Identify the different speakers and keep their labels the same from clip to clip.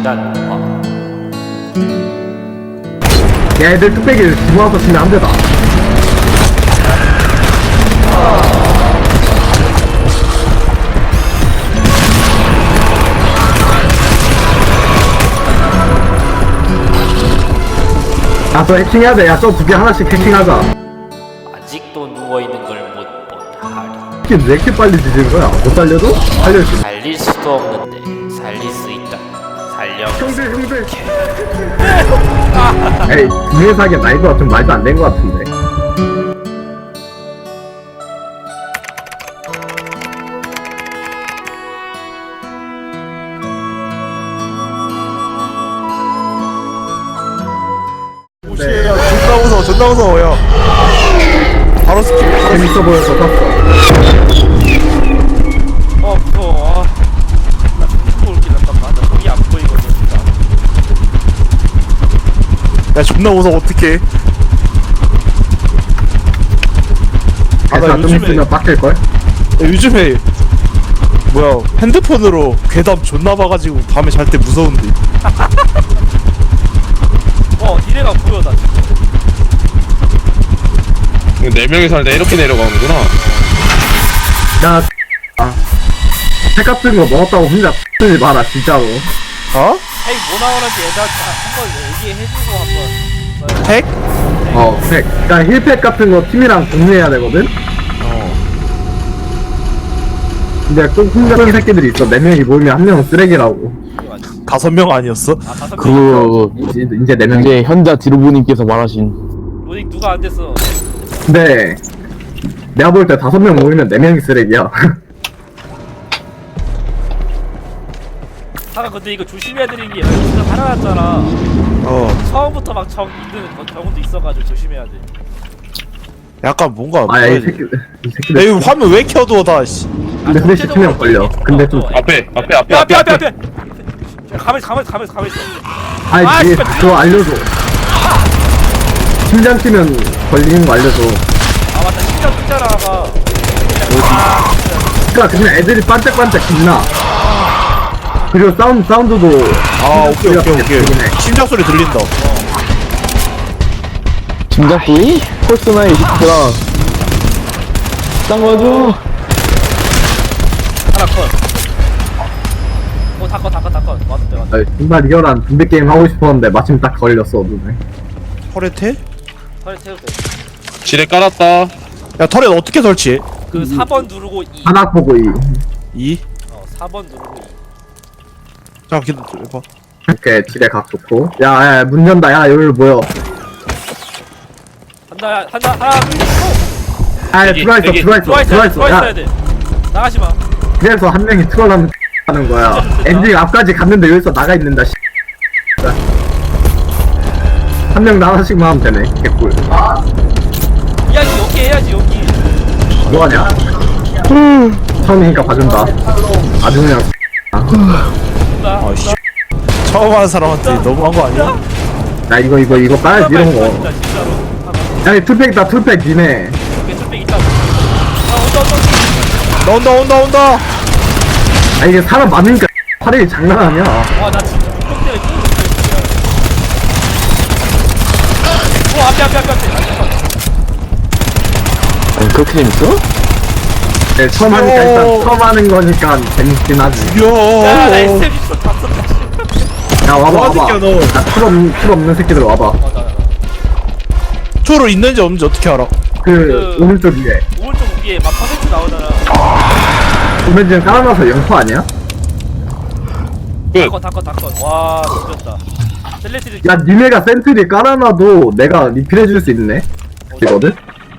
Speaker 1: 진한 화.
Speaker 2: 야, 애들 뚝배기를 집어와서 치면 안 되다. 야, 저 해킹해야 돼. 야, 저 두 개 하나씩 해킹하자.
Speaker 1: 아직도 누워있는 걸 못 본 하리.
Speaker 2: 이게 왜 이렇게 빨리 뒤지는 거야? 못 살려도? 살릴 수 있어.
Speaker 1: 살릴 수도 없는데 살릴 수 있다. 살려.
Speaker 2: 형들. 에이, 두개 사기엔 나이도가 좀 말도 안 된 것 같은데.
Speaker 3: 오시에요. 존나 무서워요. 바로 스킵.
Speaker 2: 재밌어 보여서 샀어.
Speaker 1: 무서워. 나 죽고 올게. 잠깐만. 나 거기 안 보이거든. 진짜.
Speaker 3: 야 존나 무서워. 어떡해. 나
Speaker 2: 좀
Speaker 3: 요즘에
Speaker 2: 있으면 빡칠걸?
Speaker 3: 요즘에 뭐야 핸드폰으로 괴담 존나 봐가지고 밤에 잘 때 무서운데.
Speaker 1: 니네가 보여 나 지금.
Speaker 4: 네 명이서 할 때 이렇게 내려가는구나.
Speaker 2: 야, 책 같은 거 먹었다고 혼자 쓰지 마라, 진짜로.
Speaker 3: 어?
Speaker 1: 핵 뭐 나오는지 애들한테 한번 얘기해주고 한번.
Speaker 3: 핵?
Speaker 2: 책. 그니까 힐팩 같은 거 팀이랑 공유해야 되거든? 근데 꼭 혼자 쓰는 새끼들이 있어. 4명이 모이면 한 명은 쓰레기라고.
Speaker 3: 5명 아니었어?
Speaker 2: 이제 4명이.
Speaker 5: 이제 현자 디루부님께서 말하신
Speaker 1: 로딩 누가 안 됐어.
Speaker 2: 근데, 내가 볼 때 5명 모이면 4명이 쓰레기야.
Speaker 1: 근데 이거 조심해야 되는 게 진짜 살아났잖아. 처음부터 막 적 있는 경우도 있어가지고 조심해야 돼.
Speaker 3: 약간 뭔가
Speaker 2: 아, 야, 이
Speaker 3: 뭐야,
Speaker 2: 새끼들.
Speaker 3: 야 이거 화면 왜 켜둬 다 씨.
Speaker 2: 근데 시키면 걸려. 근데 좀.
Speaker 4: 앞에.
Speaker 1: 앞에. 가만히 있어.
Speaker 2: 아이, 뒤에
Speaker 1: 씨발.
Speaker 2: 그거 알려줘. 심장 뛰면 걸리는 거 알려줘.
Speaker 1: 맞다. 심장 뜯잖아 아까.
Speaker 2: 그니까 그냥 애들이 반짝반짝 빛나. 그리고 사운드도.
Speaker 3: 오케이.
Speaker 2: 들리네.
Speaker 3: 심장 소리 들린다.
Speaker 5: 짐작소리? 폴스나의 히트라 딴 거죠?
Speaker 1: 하나 컷. 다 컷. 맞았대.
Speaker 2: 아, 정말 리얼한 준비 게임 하고 싶었는데 마침 딱 걸렸어 눈에.
Speaker 3: 터렛해?
Speaker 1: 털에 태워도 돼.
Speaker 4: 지뢰 깔았다.
Speaker 3: 야 터렛 어떻게 설치해?
Speaker 1: 그 4번 누르고 2.
Speaker 2: 하나 보고
Speaker 3: 2?
Speaker 1: 4번 누르고 2.
Speaker 3: 잠깐 기다려봐.
Speaker 2: 이렇게 지뢰 각 좋고. 야, 문 연다. 야, 여기로 모여.
Speaker 1: 한다. 하나, 둘, 셋.
Speaker 2: 아,
Speaker 4: 대기,
Speaker 2: 들어와 있어.
Speaker 1: 들어있어야
Speaker 2: 야,
Speaker 1: 돼. 나가지 마.
Speaker 2: 그래서 한 명이 트롤하는 하는 거야. 엔딩 앞까지 갔는데 여기서 나가 있는다. 한 명 하나씩만 하면 되네. 개꿀.
Speaker 1: 이야기 여기 해야지 여기.
Speaker 2: 뭐하냐? 처음이니까 봐준다. 아주 그냥.
Speaker 1: 나.
Speaker 3: 씨. 처음 하는 사람한테 너무한 거 아니야?
Speaker 2: 야, 이거 까야지 이런 거.
Speaker 1: 진짜 진짜로.
Speaker 2: 야, 이 툴팩이다. 툴팩 니네.
Speaker 1: 오케이 툴백 있다.
Speaker 3: 온다.
Speaker 2: 아, 이게 사람 많으니까 화력이 장난 아니야.
Speaker 1: 와 나 진짜 물병 때문에 끼고 있어. 앞에.
Speaker 5: 아니 그렇게 재밌어?
Speaker 2: 네, 처음 하니까 일단 처음 하는 거니까 재밌긴 하지.
Speaker 1: 야나
Speaker 3: 야,
Speaker 1: SM 있어 다 썼다.
Speaker 2: 야, 와봐.
Speaker 3: 새끼야, 너.
Speaker 2: 야, 툴 없는 새끼들 와봐.
Speaker 3: 초로 있는지 없는지 어떻게 알아?
Speaker 2: 그 오른쪽 위에.
Speaker 1: 오른쪽 위에 막 퍼센트 나오잖아.
Speaker 2: 보면 지금 깔아놔서 영포 아니야?
Speaker 1: 다 컷. 와 죽였다. 셀레티드.
Speaker 2: 야, 니네가 센트리 깔아놔도 내가 리필해줄 수 있네. 이거든?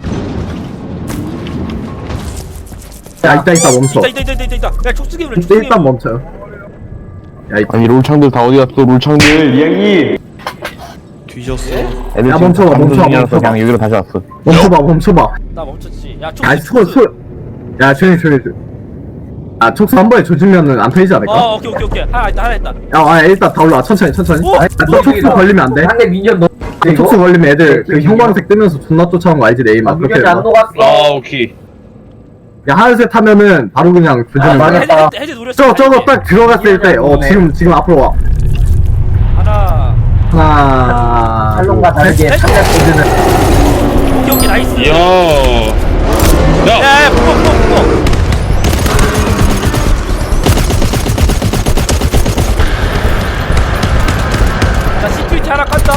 Speaker 2: 야, 이따 멈춰.
Speaker 1: 있다. 야 촉수기물.
Speaker 2: 일단 멈춰. 야,
Speaker 5: 아니 롤창들 다 어디 갔어 롤창들 이야기
Speaker 3: 뒤졌어.
Speaker 5: 애들
Speaker 2: 야,
Speaker 5: 지금
Speaker 2: 멈춰봐,
Speaker 5: 방송
Speaker 2: 멈춰봐,
Speaker 5: 중이라서
Speaker 2: 멈춰봐.
Speaker 5: 그냥 여기로 다시 왔어
Speaker 2: 멈춰봐.
Speaker 1: 나 멈췄지. 야
Speaker 2: 야,
Speaker 1: 촉수.
Speaker 2: 야, 조용히. 아, 촉수 한 번에 조지면은 안 터지지 않을까?
Speaker 1: 오케이. 하나 있다.
Speaker 2: 야, 일단 다 올라와. 천천히.
Speaker 1: 오!
Speaker 2: 아, 너 촉수 걸리면 안 돼.
Speaker 6: 한개 민현 너
Speaker 2: 너 촉수 걸리면 애들 그 형광색 뜨면서 존나 쫓아온 거 알지, 네이마. 그렇게
Speaker 6: 민현이 안
Speaker 2: 해봐.
Speaker 6: 녹았어.
Speaker 4: 오케이.
Speaker 2: 야, 하늘색 타면은 바로 그냥 조지는 거야.
Speaker 6: 망했다.
Speaker 1: 해제 노렸어.
Speaker 2: 저거 딱 들어갔을 때, 지금 앞으로 와. 하나.
Speaker 6: 살롱과 다르게
Speaker 2: 셋.
Speaker 6: 상대 포즈는
Speaker 1: 오케이 나이스.
Speaker 4: 이야. 야,
Speaker 1: 야 붙어. 나 시큐리티 하나 깠다.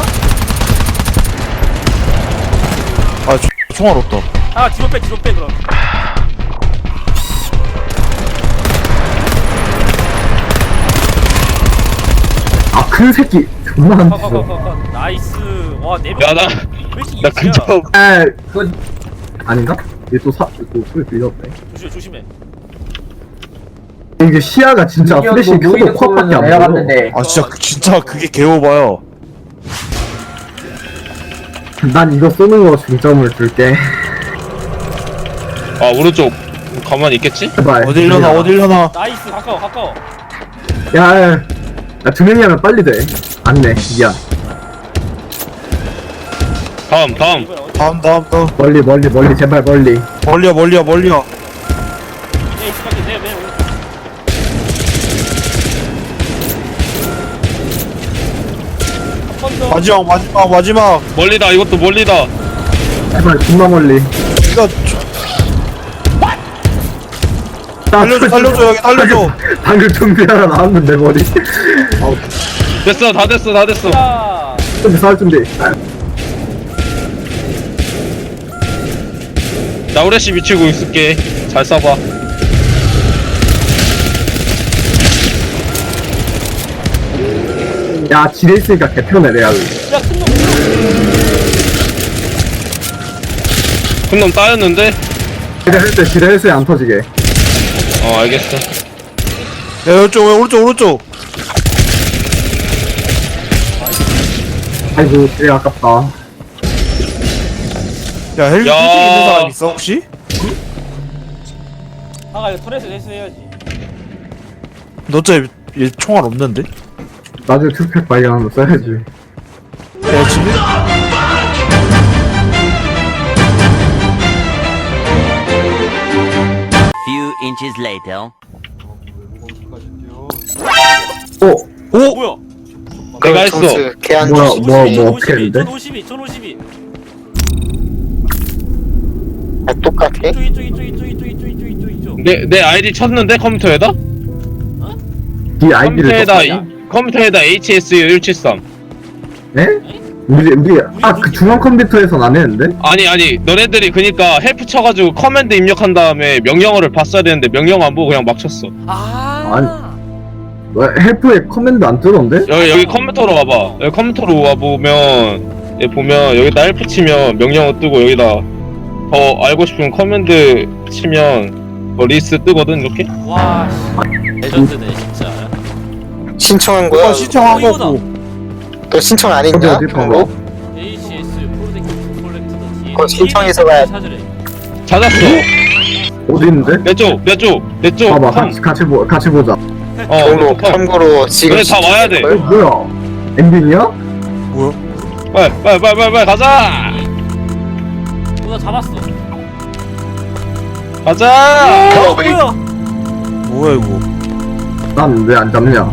Speaker 3: 아 총알 없다.
Speaker 1: 아 뒤로 빼 그럼.
Speaker 2: 아, 큰 새끼. 존나 안 죽어.
Speaker 1: 거. 나이스. 와 4명.
Speaker 4: 야, 나 근접.
Speaker 2: 에, 그건 아닌가? 얘또 소리 들렸네.
Speaker 1: 조심해.
Speaker 2: 이게 시야가 진짜 플래시 크고 코앞밖에 안 보여.
Speaker 6: 내려갔는데
Speaker 3: 아 진짜 그게 개오바야.
Speaker 2: 난 이거 쏘는 거 중점을 줄게.
Speaker 4: 아, 오른쪽. 가만히 있겠지?
Speaker 2: 제발.
Speaker 3: 어딜려나.
Speaker 1: 나이스 가까워.
Speaker 2: 야, 야, 두 명이 하면 빨리 돼. 안네, 미안.
Speaker 4: 다음.
Speaker 1: 이번에 어디?
Speaker 3: 다음.
Speaker 2: 멀리, 제발 멀리.
Speaker 3: 멀리야.
Speaker 1: 내 있을게 내 오른쪽. 한번 더.
Speaker 3: 마지막.
Speaker 4: 멀리다, 이것도 멀리다.
Speaker 2: 제발, 존나 멀리.
Speaker 3: 이거 살려줘 여기 살려줘.
Speaker 2: 방금 좀비 하나 나왔는데, 머리.
Speaker 4: 됐어, 다 됐어.
Speaker 1: 야.
Speaker 2: 준비, 쌀 준비.
Speaker 4: 나 후레쉬 미치고 있을게. 잘 쏴봐.
Speaker 2: 야, 지뢰 있으니까 개편해, 내가.
Speaker 1: 야 큰놈.
Speaker 4: 큰 놈 따였는데?
Speaker 2: 지뢰 할 때 지뢰 했어안 터지게.
Speaker 4: 알겠어.
Speaker 3: 야 오른쪽.
Speaker 2: 아이고, 지뢰 아깝다.
Speaker 3: 야 헬기
Speaker 4: 야.
Speaker 3: 있는 사람 있어 혹시?
Speaker 1: 아가 이거 터렛을 해야지.
Speaker 3: 너 어차피 얘 총알 없는데?
Speaker 2: 나중에 투팩 발견하면 써야지.
Speaker 3: 야 집에?
Speaker 7: Few inches later.
Speaker 2: 오!
Speaker 1: 뭐야?
Speaker 4: 내가 했어.
Speaker 6: 개한
Speaker 2: 뭐 어떻게 했는데?
Speaker 1: 1052.
Speaker 6: 똑같아?
Speaker 1: 이쪽.
Speaker 4: 내 아이디 쳤는데 컴퓨터에다?
Speaker 2: 이 아이디를
Speaker 4: 컴퓨터에다 HSU173.
Speaker 2: 네? 우리 그 중앙 컴퓨터에선 안 했는데?
Speaker 4: 아니 너네들이 그니까 헬프 쳐가지고 커맨드 입력한 다음에 명령어를 봤어야 되는데 명령 안 보고 그냥 막 쳤어.
Speaker 2: 왜 헬프에 커맨드 안 뜨던데?
Speaker 4: 여기 컴퓨터로 와봐. 여기 컴퓨터로 와보면 여기 보면 여기다 헬프 치면 명령어 뜨고 여기다 더 알고 싶은 커맨드 치면 리스트 뜨거든 이렇게.
Speaker 1: 와 레전드네 진짜.
Speaker 6: 신청한 거야?
Speaker 3: 신청한
Speaker 1: 이거다.
Speaker 3: 거고.
Speaker 6: 너 신청 안 했냐?
Speaker 2: 어디
Speaker 6: 그런 거?
Speaker 1: ACS 프로젝트 콜렉트더 뒤에
Speaker 6: 그거 신청해서 가야
Speaker 1: 찾으래.
Speaker 4: 찾았어.
Speaker 2: 어디 있는데?
Speaker 4: 내쪽
Speaker 2: 봐봐,
Speaker 4: 컴.
Speaker 2: 같이 보자.
Speaker 6: 경로 참고로 지금
Speaker 4: 그래, 다 와야 돼.
Speaker 2: 뭐야? 엔딩이야?
Speaker 3: 뭐야?
Speaker 4: 빨리 가자.
Speaker 1: 나 잡았어.
Speaker 4: 가자.
Speaker 1: 뭐야?
Speaker 3: 뭐야 이거?
Speaker 2: 난 왜 안 잡냐?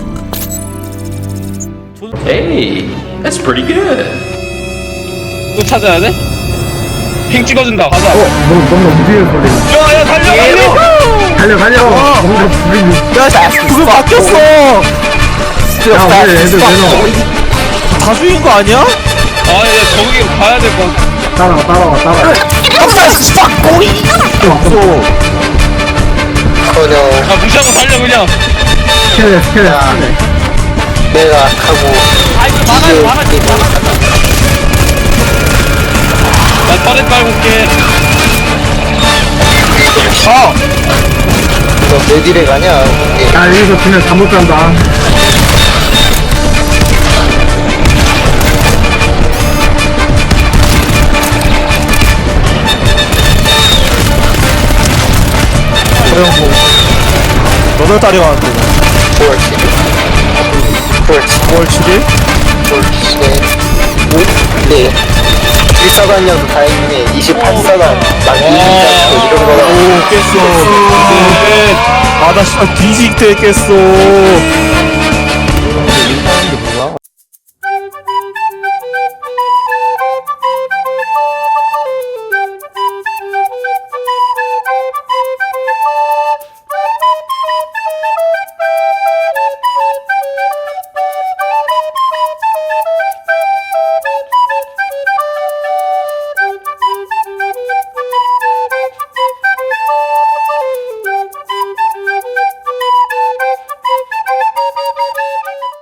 Speaker 8: Hey, that's pretty good.
Speaker 4: 또 찾아야 돼? 핑 찍어준다. 가자.
Speaker 2: 뭔가 움직이는 소리.
Speaker 4: 야 달려.
Speaker 2: 뭔가 불이.
Speaker 3: 야 그거 바뀌었어.
Speaker 2: 야, 왜 애들 왜 넣어?
Speaker 3: 다 죽인 거 아니야?
Speaker 4: 야 저기 가야 될 것 같아.
Speaker 2: 따라와.
Speaker 6: 커녕
Speaker 4: 무시하고 달려 그냥.
Speaker 2: 스캔해.
Speaker 6: 내가 하고
Speaker 1: 아 이거 막아야지.
Speaker 4: 나 터렛 깔고 올게.
Speaker 6: 너 몇 일에 가냐?
Speaker 2: 야, 여기서 그냥 잘못 간다.
Speaker 3: 너들 딸이 왔는데.
Speaker 6: 9월 7일
Speaker 3: 9월 7일?
Speaker 6: 9월 7일에 네 일사관이어도 다행이네 28사관 막 이런 거라고
Speaker 3: 오 깼어. 아나 씨발 뒤지게 깼어.